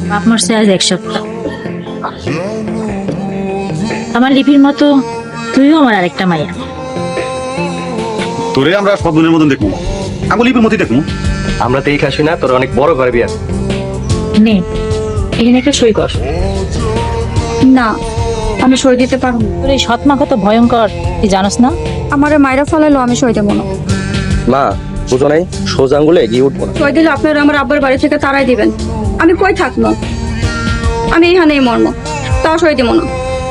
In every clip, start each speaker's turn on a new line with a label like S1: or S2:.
S1: বাপ মারছে আজ 1 সপ্তাহ। আমার লিপির মতো তুইও আমার আরেকটা মাইয়া।
S2: তোরে আমরা সব দিনের মতন দেখবো, আমি লিপির মতোই দেখবো।
S3: আমরা তো এই খাসি না, তোর অনেক বড় ঘরে বিয়ে।
S1: নে এখানে একটা সই কর।
S4: না, আমি সই দিতে পারবো না।
S1: তোর এই সৎমা কত ভয়ঙ্কর তুই জানোস না?
S4: আমারে মাইরা ফেলাইলো, আমি সই দেবো না।
S3: মা বুঝো নাই, সোজা আঙ্গুলে এগিয়ে উঠবো না।
S4: সই দিলে আপনারা আমার আব্বার বাড়ি থেকে তাড়াই দিবেন। আমি কই থাকবো? আমি এখানেই মরম, তাও সই দেবো না।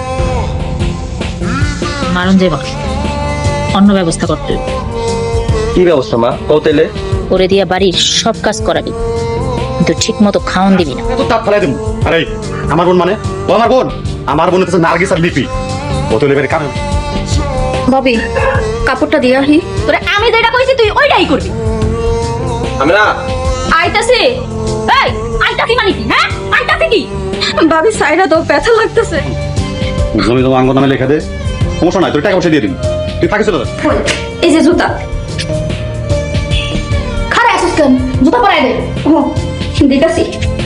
S1: মারণ যাবা, অন্য ব্যবস্থা করতে হবে।
S3: কি ব্যবস্থা মা, কৌতেলে?
S1: করে দিয়া বাড়ির সব কাজ করাবি, কিন্তু ঠিক মতো খাওয়ান দিবি না।
S2: তো তাপ ফেলাই দেবো। আরে আমার বোন মানে ও আমার বোন, আমার বোন হচ্ছে নার্গিস আর লিপি। ও তো লেবের কারণ।
S4: ববি, কাপড়টা দিয়ে আসি।
S5: তোরে আমি যেটা কইছি তুই ওইটাই করবি।
S3: আমি না
S5: আইতাছে। এই আইতাছি মানে কি? হ্যাঁ আইতাছে কি?
S4: ভাবি সাইরা তো ব্যথা লাগতেছে।
S2: জমি জমা আঙ্গ নামে লেখা দে, সমস্যা নাই, তোর টাকা পয়সা দিয়ে দিবি। তুই থাকিস তো।
S4: এই যে জুতা।
S5: খারে আসিস কেন? জুতা পরাই দে।
S4: ও দিতাছি।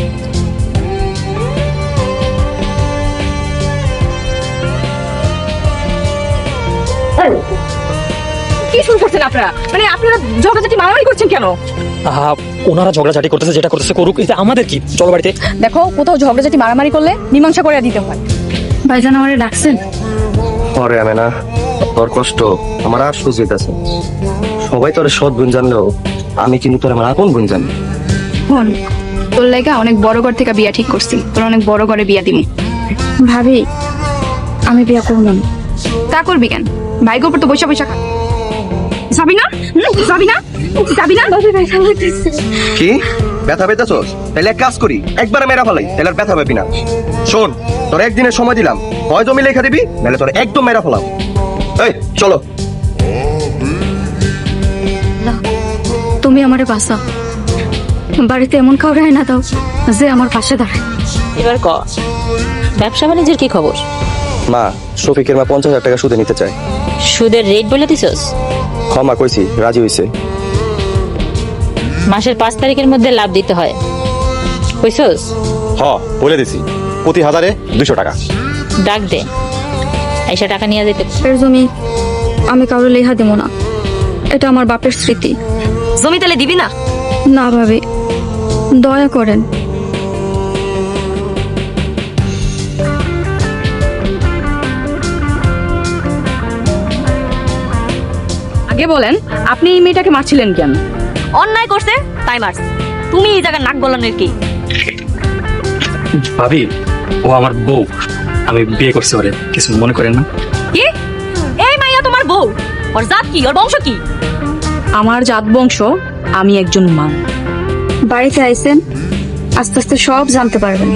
S5: কি শুরু করছেন আপনারা? মানে আপনারা ঝগড়াঝাটি মারামারি করছেন কেন?
S6: ওনারা ঝগড়াঝাটি করতেছে, যেটা করতেছে করুক, এটা আমাদের কি? চলো বাড়িতে।
S5: দেখো, কোথাও ঝগড়াঝাটি মারামারি করলে মীমাংসা করে দিতে হয়।
S4: ভাইজান আমারে ডাকছেন?
S3: পরে আমি না, তোর কষ্ট আমার আর সুযোগ আছে। সবাই তোর সৎ গুণ জানলেও আমি কিন্তু তোর আমার আপন গুণ জানি।
S4: ফোন তোর লাগা অনেক বড় ঘর থেকে বিয়া ঠিক করছি, তোর অনেক বড় ঘরে বিয়া দিবি। ভাবি আমি বিয়া করব না। তা করবি কেন? ভাইগো উপর তো বৈশা বৈশা খা। যাবি না? যাবি না? যাবি না? ভাবি ব্যথা লাগতেছে।
S3: কি ব্যথা পেতেছস? তাহলে এক কাজ করি, একবার মেরা ফেলাই, তাহলে আর ব্যথা পাবি না। শোন, তোর একদিনের সময় দিলাম, হয় জমি লেখা দিবি, নাহলে তোর একদম মেরা ফেলাম। এই চলো।
S4: তুমি আমারে বাঁচা, বাড়িতে এমন খাওয়াই না দাও যে আমার পাশে দাঁড়ায়।
S1: এবার ক, ব্যবসা বাণিজ্যের কি খবর?
S3: মা, শফিকের মা 50,000 টাকা সুদে নিতে চায়।
S1: সুদের রেট বলে দিছস?
S3: ক্ষমা কইছি, রাজি হইছে।
S1: মাসের 5 তারিখের মধ্যে লাভ দিতে হয়, কইছস?
S2: হ বলে দিছি, প্রতি হাজারে 200 টাকা।
S1: ডাক দে, আইসা টাকা নিয়ে যেতে।
S4: এর জমি আমি কাউরে লেখা দেবো না, এটা আমার বাপের স্মৃতি।
S5: জমি তাহলে দিবি না?
S4: না ভাবি, দয়া করেন।
S5: আগে বলেন, আপনি এই মেয়েটাকে মারছিলেন কেন? অন্যায় করছে তাই মারছে। তুমি এই জায়গায় নাক গলানোর কি?
S6: ভাবি, ও আমার বউ, আমি বিয়ে করছি ওরে, কিছু মনে করেন না।
S5: কি? এই মাইয়া তোমার বউ? ওর জাত কি? ওর বংশ কি? আমার জাত বংশ, আমি একজন মা।
S4: বাড়িতে আইছেন, আস্তে আস্তে সব জানতে পারবেন।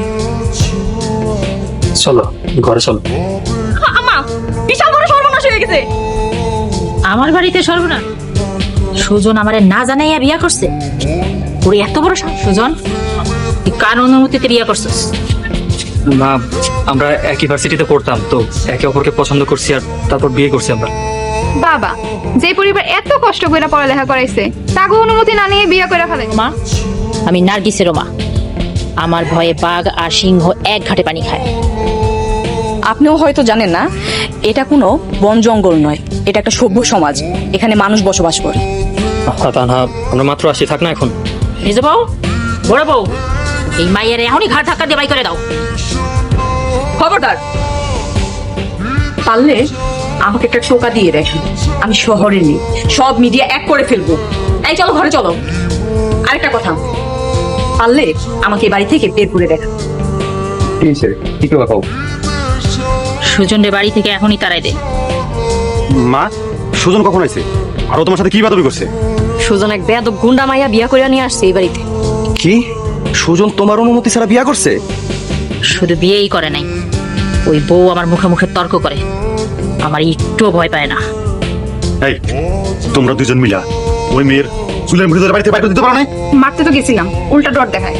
S6: চলো ঘরে চলো।
S5: আমা, বিশাল বড় সর্বনাশ হয়ে গেছে।
S1: আমার বাড়িতে সর্বনাশ? সুজন আমারে না জানাইয়া বিয়া করছে? ওরে এত বড় সাহস! সুজন, তুই কার অনুমতিতে বিয়া করছিস?
S6: মা, আমরা একই ভার্সিটিতে পড়তাম তো, একে অপরকে পছন্দ করছি আর তারপর বিয়ে করছি আমরা।
S4: বাবা, যে পরিবার এত কষ্ট করে পড়ালেখা করাইছে, তাকে অনুমতি না নিয়ে বিয়ে করে ফেলে।
S1: মা, আমি নার্গিসের মা। আমার ভয়ে বাঘ আর সিংহ এক ঘাটে পানি খায়।
S5: আপনিও হয়তো জানেন না, এটা কোনো বন জঙ্গল নয়, এটা একটা সভ্য সমাজ। এখানে মানুষ বসবাস করে।
S6: তা না, আমরা মাত্র আসি, থাক না এখন।
S1: নিজ বউ, বড় বউ, এই মাইয়ের এখনই ঘাট ধাক্কা দিয়ে বাই করে দাও।
S5: খবরদার, পারলে আমাকে একটা টোকা দিয়ে দেখেন। আমি শহরে নেই, সব মিডিয়া এক করে ফেলবো। এই চলো ঘরে চলো। আরেকটা কথা, পারলে আমাকে এই বাড়ি থেকে বের করে দেখেন।
S3: ঠিক আছে, কি করে খাও?
S1: সুজনের বাড়ি থেকে এখনই তাড়াই দে।
S2: মা, সুজন কখন আইছে? আর ও তোমার সাথে কি বাদবি করছে?
S5: সুজন এক বেয়াদব গুন্ডা মাইয়া বিয়া করে নিয়ে আসছে এই বাড়িতে।
S3: কি সুজন তোমার অনুমতি ছাড়া বিয়ে করছে?
S1: শুধু বিয়েই করে নাই, ওই বউ আমার মুখে মুখে তর্ক করে, আমার একটুও ভয় পায় না।
S2: এই তোমরা দুজন মিলা ওই মেয়ের চুলের মুঠি ধরে বাড়িতে বাইরে দিতে পারো না?
S4: মারতে তো গেছিলাম, উল্টা ডর দেখায়।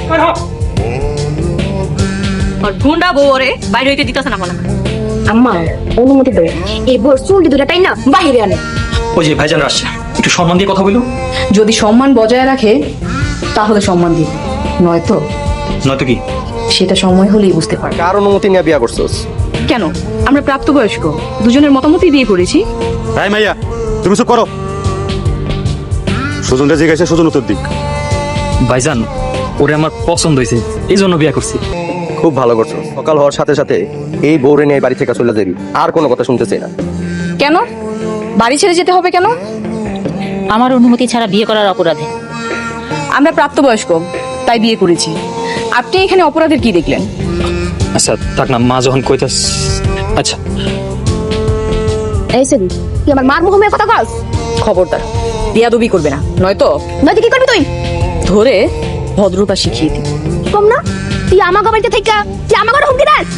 S5: আর গুন্ডা বউ ওরে বাইরে হইতে দিতেছে না মনে হয়।
S4: আম্মা অনুমতি দেয়, এই বোর চুল দুটা তাই না বাহিরে আনে।
S6: ওই যে ভাইজান আসছে, একটু সম্মান দিয়ে কথা বলো।
S5: যদি সম্মান বজায় রাখে তাহলে সম্মান দিবে, নয়তো
S6: নয়তো কি?
S5: সেটা সময় হলেই বুঝতে পারবে।
S3: কার অনুমতি নিয়ে বিয়া করছস?
S5: কেন, আমরা প্রাপ্তবয়স্ক, দুজনের মতামতই বিয়ে করেছি।
S2: ভাই মাইয়া তুমি চুপ করো। সুজনটা জিজ্ঞাসা সুজন উত্তর দিক।
S6: ভাইজান, ওরে আমার পছন্দ হয়েছে, এই জন্য বিয়ে করছি।
S3: খুব ভালো করছো। সকাল হওয়ার সাথে সাথে এই বউরে নিয়ে বাড়ি থেকে চলে যাবি, আর কোনো কথা শুনতে চাই না।
S5: কেন বাড়ি ছেড়ে যেতে হবে কেন?
S1: আমার অনুমতি ছাড়া বিয়ে করার অপরাধে।
S5: আমরা প্রাপ্তবয়স্ক তাই বিয়ে করেছি। আপনি এখানে অপরাধের কি দেখলেন?
S6: আচ্ছা থাক না, মা যখন কইতাস। আচ্ছা
S4: এই সেদিন তুই আমার মার মুখে কথা কস?
S5: খবরদার, বিয়াদবি করবে না, নয়তো
S4: নয়তো কি করবি তুই?
S5: ধরে ভদ্রতা শিখিয়ে দিই।
S4: কম না, তুই আমার বাড়িতে থেকে তুই আমার ঘরে হুমকি দাস?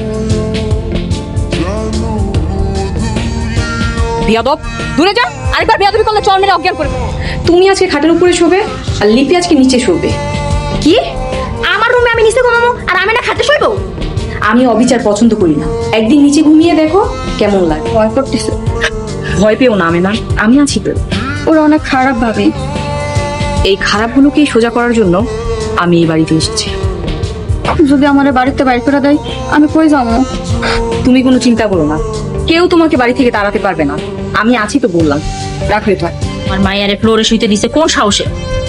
S5: বিয়াদব, দূরে যা। আরেকবার বিয়াদবি করলে চল মেরে অজ্ঞান করে দেবো। তুমি আজকে খাটের উপরে শোবে আর লিপি আজকে নিচে শোবে।
S4: কি? আমার রুমে আমি নিচে ঘুমাবো আর আমি না খাটে শুইবো?
S5: আমি অবিচার পছন্দ করি না। একদিন নিচে ঘুমিয়ে দেখো কেমন লাগে। ভয় করতেছে? ভয় পেও না আমেনা, আমি আছি তো।
S4: ওরা অনেক খারাপ ভাবে।
S5: এই খারাপগুলোকে সোজা করার জন্য আমি এই বাড়িতে এসেছি।
S4: যদি আমার বাড়িতে বাইর করে দেয় আমি কই যাবো?
S5: তুমি কোনো চিন্তা করো না, কেউ তোমাকে বাড়ি থেকে তাড়াতে পারবে না। আমি আছি তো বললাম। রাখো এটা।
S1: আমার মায়ের ফ্লোরে শুইতে দিছে কোন সাহসে?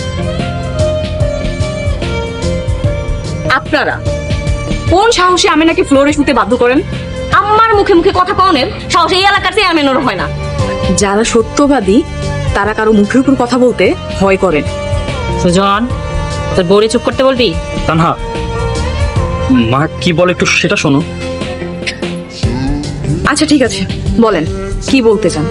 S5: আপনারা কোন সাহসে আমেনাকে ফ্লোরে শুতে বাধ্য করেন? আমার মুখে মুখে কথা কনের সাহস এই এলাকাতে আমেনার হয় না। যারা সত্যবাদী তারা কারো মুখের উপর কথা বলতে ভয় করেন।
S1: সুজন, তোর বউরে চুপ করতে বলবি?
S6: তানহা, মা কি বলে একটু সেটা শোনো।
S5: আচ্ছা ঠিক আছে, বলেন কি বলতে চান।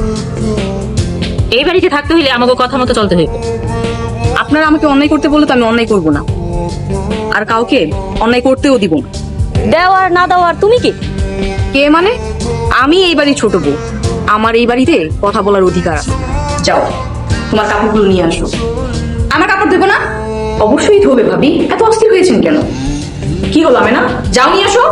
S1: এই বাড়িতে থাকতে হইলে আমাকে কথা মতো চলতে হইবে।
S5: আপনারা আমাকে অন্যায় করতে বললে তো আমি অন্যায় করব না, আর কাউকে অন্যায় করতেও দিব না।
S1: দেওয়ার না দেওয়ার তুমি কি?
S5: কে মানে? আমি এই বাড়ির ছোট বউ, আমার এই বাড়িতে কথা বলার অধিকার আছে। যাও, তোমার কাপড়গুলো নিয়ে আসো। আমার কাপড় দেবো না? অবশ্যই ধোবে ভাবি, এত অস্থির হয়েছেন কেন? কি হলো আমি না? যাও নিয়ে আসো।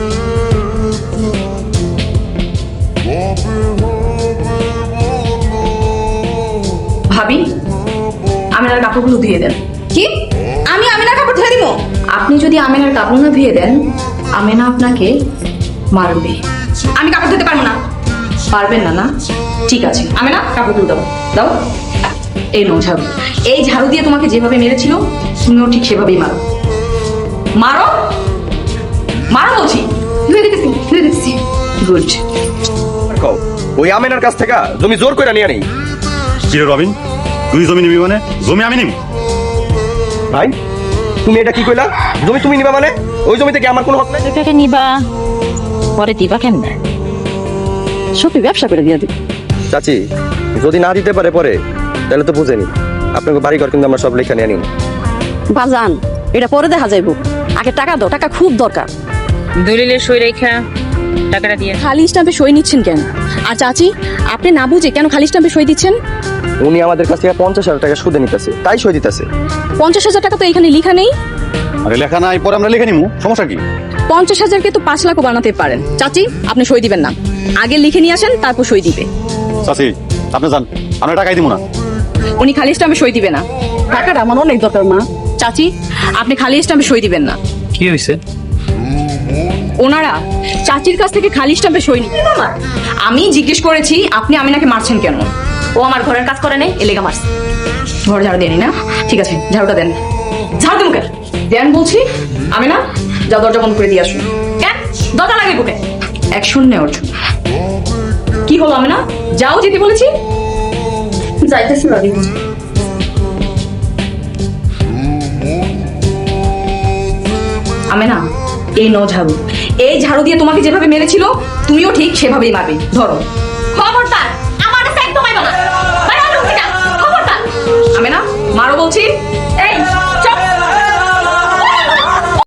S5: ভাবি, আমেনার কাপড়গুলো ধুয়ে দেন। কি? আমি আমেনার কাপড় ধুয়ে দিব? আপনি যদি আমেনার কাপড় না ধুয়ে দেন, আমেনা আপনাকে মারবে। আমি কাপড় ধুতে পারবো না। পারবেন না না? ঠিক আছে, আমেনা কাপড়গুলো দাও। দাও। এই নাও ঝাড়ু। এই ঝাড়ু দিয়ে তোমাকে যেভাবে মেরেছিল তুমিও ঠিক সেভাবেই মারো। মারো, মারো বলছি। ধুয়ে দিতেছি, ধুয়ে দিতেছি। গুড।
S3: কও, ওই আমেনার কাছ থেকে জমি জোর করে নিয়ে নেই?
S2: কি রে রবিন, তুই জমি নিবি মানে? জমি আমি নিবি?
S3: ভাই তুমি এটা কি কইলা? জমি তুমি নিবা মানে? ওই জমিতে কি আমার কোনো হক নাই?
S1: টাকা নিবা, পরে দিবা কেমনে?
S5: সত্যি ব্যবসা করে দিয়ে দিই।
S3: চাচি যদি না দিতে পারে পরে, তাহলে তো বুঝেনি আপনাকে বাড়ি ঘর কিন্তু আমরা সব লেখা নিয়ে নিন।
S7: বাজান, এটা পরে দেখা যাইব, আগে টাকা দাও, টাকা খুব দরকার।
S1: দলিলের সই রেখা টাকাটা দিয়ে।
S7: খালি স্টাম্পে সই নিচ্ছেন কেন? আর চাচি, আপনি না বুঝে কেন খালি স্টাম্পে সই দিচ্ছেন?
S3: উনি আমাদের কাছ থেকে 50,000 টাকা সুদে নিতেছে, তাই সই দিতেছে।
S7: 50,000 টাকা তো এখানে লেখা নেই।
S2: আরে লেখা নাই, পরে আমরা লিখে নিবো, সমস্যা কি?
S7: 50,000-কে তো 5 লাখও বানাতে পারেন। চাচি, আপনি সই দিবেন না, আগে লিখে নিয়ে আসেন, তারপর সই দিবে।
S2: চাচি আপনি যান, আমরা টাকাই দিব না।
S5: উনি খালি স্টাম্পে সই দিবে না।
S7: টাকাটা আমার অনেক দরকার মা।
S5: চাচি, আপনি খালি স্টাম্পে সই দিবেন না।
S6: কি হয়েছে?
S5: ওনারা চাচির কাছ থেকে খালি স্টাম্পে সই নিচ্ছে। আমি জিজ্ঞেস করেছি আপনি আমিনাকে মারছেন কেন? ও আমার ঘরের কাজ করে নেই, এলেগা মারছে। ঘর ঝাড়ু দেনি না? ঠিক আছে, ঝাড়ুটা দেন। ঝাড়ু দেন মুখে দেন বলছি। আমিনা, যাও দরজা বন্ধ করে দিয়ে আসুন। কেন দরজা লাগে বুকে? অ্যাকশন নেওয়ার জন্য। কি হলো আমিনা? যাও, যেতে বলেছি। যাইতেছি ভাবি। আমেনা, এই ন ঝাড়ু। এই ঝাড়ু দিয়ে তোমাকে যেভাবে মেরেছিল তুমিও ঠিক সেভাবেই মারবে। ধরো। খবরদার, আমার কাছে একদম আইবা না। বাইরে হও রুম থেকে। খবরদার। আমেনা, মারো বলছি।